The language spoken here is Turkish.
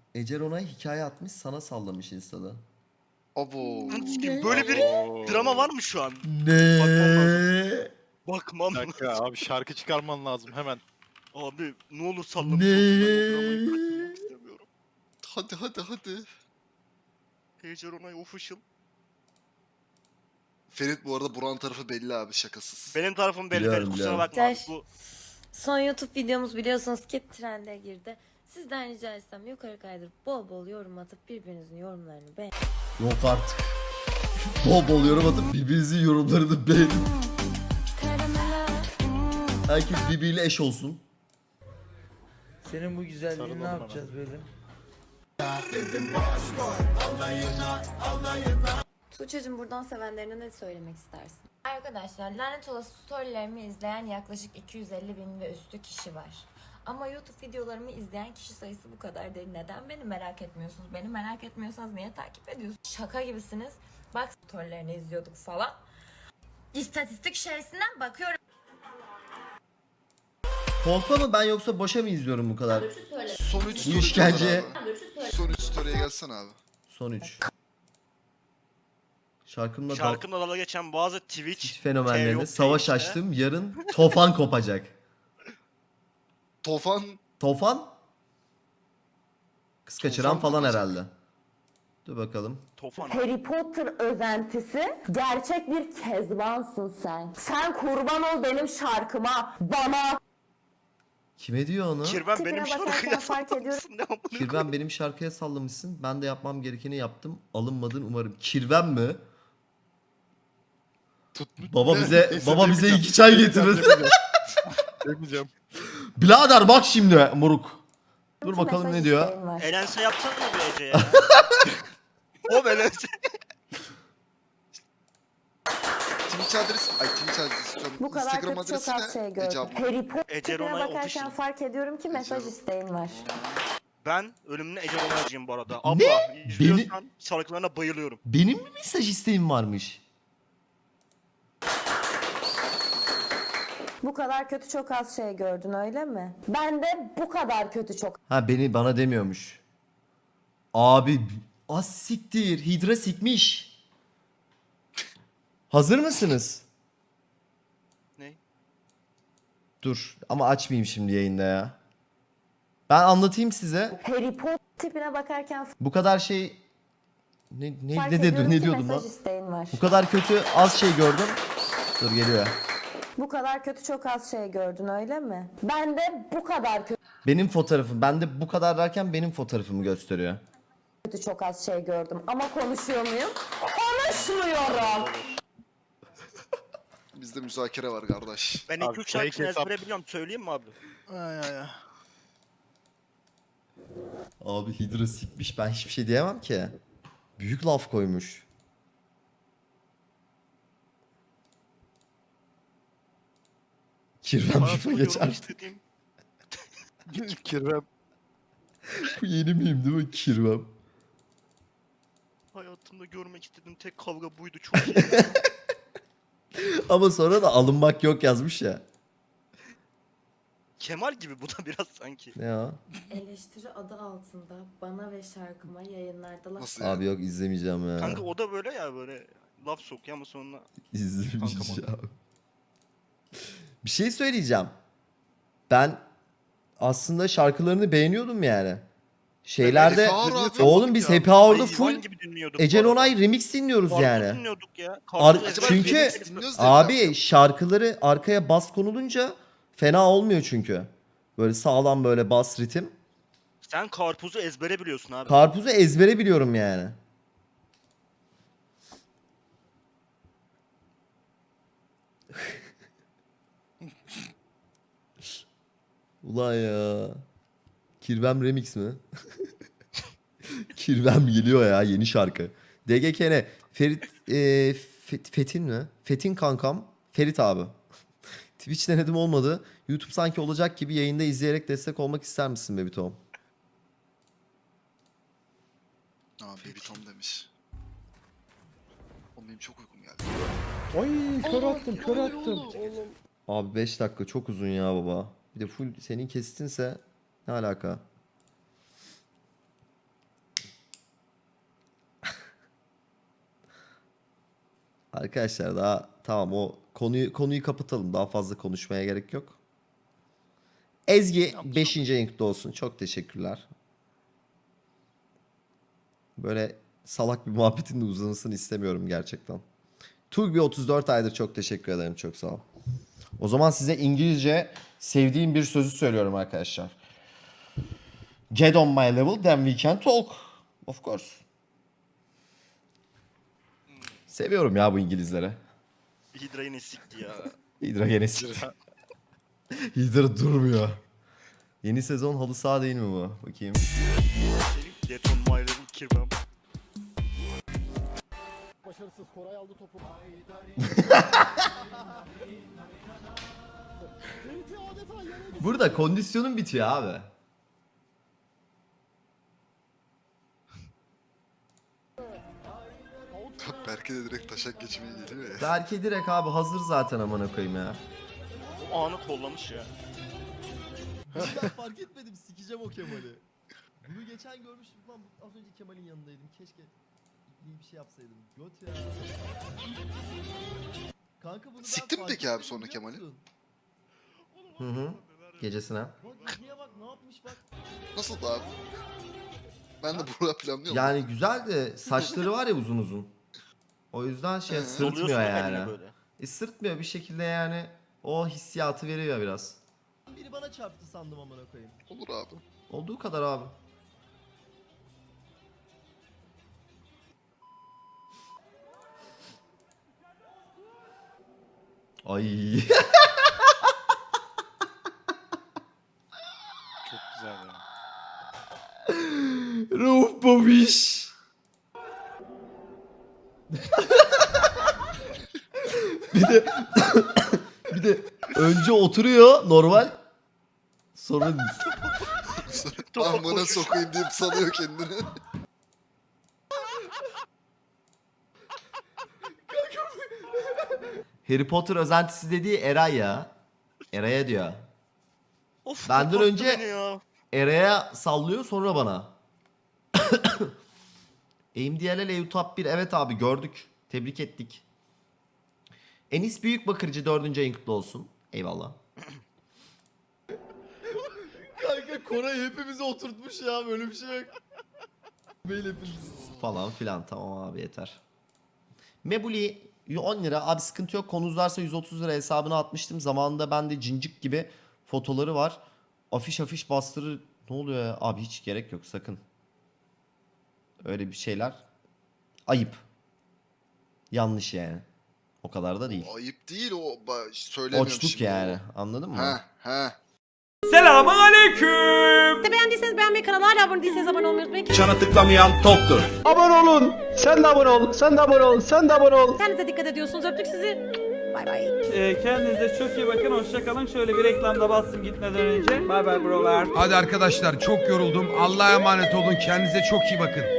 Ece Ronay hikaye atmış sana sallamış Insta'da. Abo. Böyle bir drama var mı şu an? Bakmam lazım. Ne? Bakmam Bir lazım. dakika abi şarkı çıkarman lazım hemen. Abi ne olur sallamış olsun, ben o dramayı kaçırmak Ne? istemiyorum. Hadi. Ece Ronay official. Ferit bu arada Buran tarafı belli abi, şakasız. Benim tarafım belli, Biliyorum, Ferit, kusura biliyorum. bakma. Güzel. Bu Son YouTube videomuz biliyorsunuz ki trende girdi. Sizden rica etsem yukarı kaydırıp bol bol yorum atıp birbirinizin yorumlarını beğen. Yok artık. Bol bol yorum atıp birbirinizin yorumlarını beğenin. Herkes birbiriyle eş olsun. Senin bu güzelliğini Sarılalım ne hemen. yapacağız böyle? Tuğçe'cim buradan sevenlerine ne söylemek istersin? Arkadaşlar lanet olası storylerimi izleyen yaklaşık 250.000 ve üstü kişi var. Ama YouTube videolarımı izleyen kişi sayısı bu kadar değil. Neden beni merak etmiyorsunuz? Beni merak etmiyorsanız niye takip ediyorsunuz? Şaka gibisiniz. Bak storylerini izliyorduk falan. İstatistik içerisinden bakıyorum. Korkma mı ben yoksa boşa mı izliyorum bu kadar? Son 3 Bu işkence. Son 3 story'e gelsene abi. Son 3. Şarkımla şarkımla dalga geçen bazı Twitch Twitch fenomenlerine yok savaş Twitch'te. açtım. Yarın tofan kopacak. Tofan. Tofan? Kız kaçıran Tofan falan kopacak. herhalde. Dur bakalım. Tofan. Harry Potter özentisi, gerçek bir kezbansın sen. Sen kurban ol benim şarkıma, bana. Kime diyor onu? Kirben Tipine benim bakarken şarkıya fark ediyorum. sallamışsın. Ne amına Kirven koyayım? benim şarkıya sallamışsın. Ben de yapmam gerekeni yaptım. Alınmadın umarım. Kirven mi? Baba bize Neyse, baba bize demeyeceğim. 2 çay getirir. Demeyeceğim. Birader bak şimdi moruk. Dur bakalım Mesaj ne diyor. isteğin var. Elense yapsana bir Ece ya. O Elense. Twitch adresi. Ay Twitch adresi istiyorum. Bu kadar Instagram kötü çok adresi az şey ne? gördüm. Ece abla. Harry Potter Ece tipine Ronay bakarken official. fark ediyorum ki mesaj Ece- isteğin var. Ben ölümüne Ece Ronay'cıyım bu arada. Abla izliyorsan şarkılarına bayılıyorum. Benim mi mesaj isteğim varmış? Bu kadar kötü çok az şey gördün öyle mi? Ben de bu kadar kötü çok Ha bana demiyormuş. Abi az siktir. Hidra sikmiş. Hazır mısınız? Ne? Dur ama açmayayım şimdi yayında ya. Ben anlatayım size. Harry Potter tipine bakarken Bu kadar şey fark ne ediyorum ki diyordum mesaj lan? isteğin var. Bu kadar kötü az şey gördüm. Dur geliyor. Bu kadar kötü çok az şey gördün öyle mi? Ben de bu kadar Benim fotoğrafım. Ben de bu kadar derken benim fotoğrafımı gösteriyor. kötü çok az şey gördüm. Ama konuşuyor muyum? Konuşmuyorum. Bizde müzakere var kardeş. Ben Abi, 2-3 şarkısını fake hesap. ezbere biliyorum. Söyleyeyim mi abi? Ay ay ay. Abi Hidra sikmiş. Ben hiçbir şey diyemem ki. Büyük laf koymuş. Kirvem şufa Hayatımda geç görmek artık. istediğim, Kirvem. Bu yeni miyim değil mi? Kirvem. hayatımda görmek istediğim tek kavga buydu. Çok iyi. Ama sonra da alınmak yok yazmış ya. Kemal gibi bu da biraz sanki. Ne ya? Eleştiri adı altında bana ve şarkıma yayınlarda laf Nasıl yani? Abi yok izlemeyeceğim ya. Kanka o da böyle ya, böyle laf sokuyor ama sonra İzlemeyeceğim. Bir şey söyleyeceğim. Ben aslında şarkılarını beğeniyordum yani. Şeylerde Happy Hour abi. oğlum biz Ya, Happy Hour'da hayvan full gibi dinliyorduk Ece bu arada. Ronay remix dinliyoruz Karpuz yani. dinliyorduk ya. Ar- Karpuz ezbere çünkü- dinliyorduk. dinliyoruz diye Abi yaptım. şarkıları arkaya bas konulunca fena olmuyor çünkü. Böyle sağlam böyle bas ritim. Sen karpuzu ezbere biliyorsun abi. Karpuzu ezbere biliyorum yani. Ulan ya. Kirvem remix mi? Kirvem geliyor ya yeni şarkı. DGKN. Ferit Fetin mi? Fetin kankam. Ferit abi. Twitch denedim olmadı. YouTube sanki olacak gibi yayında izleyerek destek olmak ister misin Baby Tom? Aa Baby Tom demiş. Oğlum benim çok uykum geldi. Ay kör attım kör attım. Abi 5 dakika çok uzun ya baba. Bir de full senin kestinse ne alaka? Arkadaşlar daha tamam, o konuyu kapatalım. Daha fazla konuşmaya gerek yok. Ezgi 5. yayın olsun. Çok teşekkürler. Böyle salak bir muhabbetin de uzanısını istemiyorum gerçekten. Tulbi 34 aydır, çok teşekkür ederim. Çok sağ ol. O zaman size İngilizce sevdiğim bir sözü söylüyorum arkadaşlar. Get on my level, then we can talk. Of course. Seviyorum ya bu İngilizlere. Hydra yine sikti ya. Hydra gene sikti. Hydra durmuyor. Yeni sezon halı saha değil mi bu? Bakayım. Get on my level kirvem. Başarısız Koray aldı topu. Burada kondisyonun bitiyor abi. Berke de direkt taşak geçmeye geliyor ya. Berke direkt abi hazır zaten, amına koyayım ya. O anı kollamış ya. Ya fark etmedim, sikeceğim o Kemal'i. Bunu geçen görmüştüm lan, az önce Kemal'in yanındaydım. Keşke iyi bir şey yapsaydım. Göt ya. Kanka bunu ben Siktin mi fark peki abi etmedim, sonra biliyor Kemal'i? musun? Hı. Gecesine. Bak niye bak ne yapmış bak. Nasıl abi? Ben de burada planlıyorum. Yani güzel de saçları var ya uzun uzun. O yüzden şey Oluyorsun sırıtmıyor eline yani. böyle. Sırıtmıyor bir şekilde yani. O hissiyatı veriyor biraz. Biri bana çarptı sandım, amına koyayım. Olur abi. Olduğu kadar abi. Ay. Çok güzel ya. Rauf babiş. bir de önce oturuyor normal. Sonra Topa Amına koşuş. sokayım deyip salıyor kendini. Harry Potter özentisi dediği Eray ya. Eray'a diyor. Of, Benden korkuttu önce- beni ya. Eray'a sallıyor, sonra bana. AMD'L EU Top 1, evet abi gördük. Tebrik ettik. Enis Büyükbakırcı 4. ayın kutlu olsun. Eyvallah. Kanka Koray hepimizi oturtmuş ya, böyle bir şey yok. Böyle falan filan, tamam abi yeter. Mebuli 10 lira, abi sıkıntı yok, konu uzarsa 130 lira hesabına atmıştım. Zamanında ben de cincik gibi fotoları var. Afiş bastırır. Ne oluyor ya? Abi hiç gerek yok sakın. Öyle bir şeyler. Ayıp. Yanlış yani. O kadar da değil. Ayıp değil o. Söylemiyorum Oçluk şimdi. yani. Anladın mı? He. Selamun aleyküm. Beğendiyseniz beğenmeyi, kanala hala abone değilseniz abone olmayı unutmayın. Çana tıklamayan toptur. Abone olun. Sen de abone ol. Sen de abone ol. Sen de abone ol. Kendinize dikkat ediyorsunuz. Öptük sizi. Bay bay. Kendinize çok iyi bakın. Hoşça kalın. Şöyle bir reklamda bastım gitmeden önce. Bay bay brolar. Hadi arkadaşlar çok yoruldum. Allah'a emanet olun. Kendinize çok iyi bakın.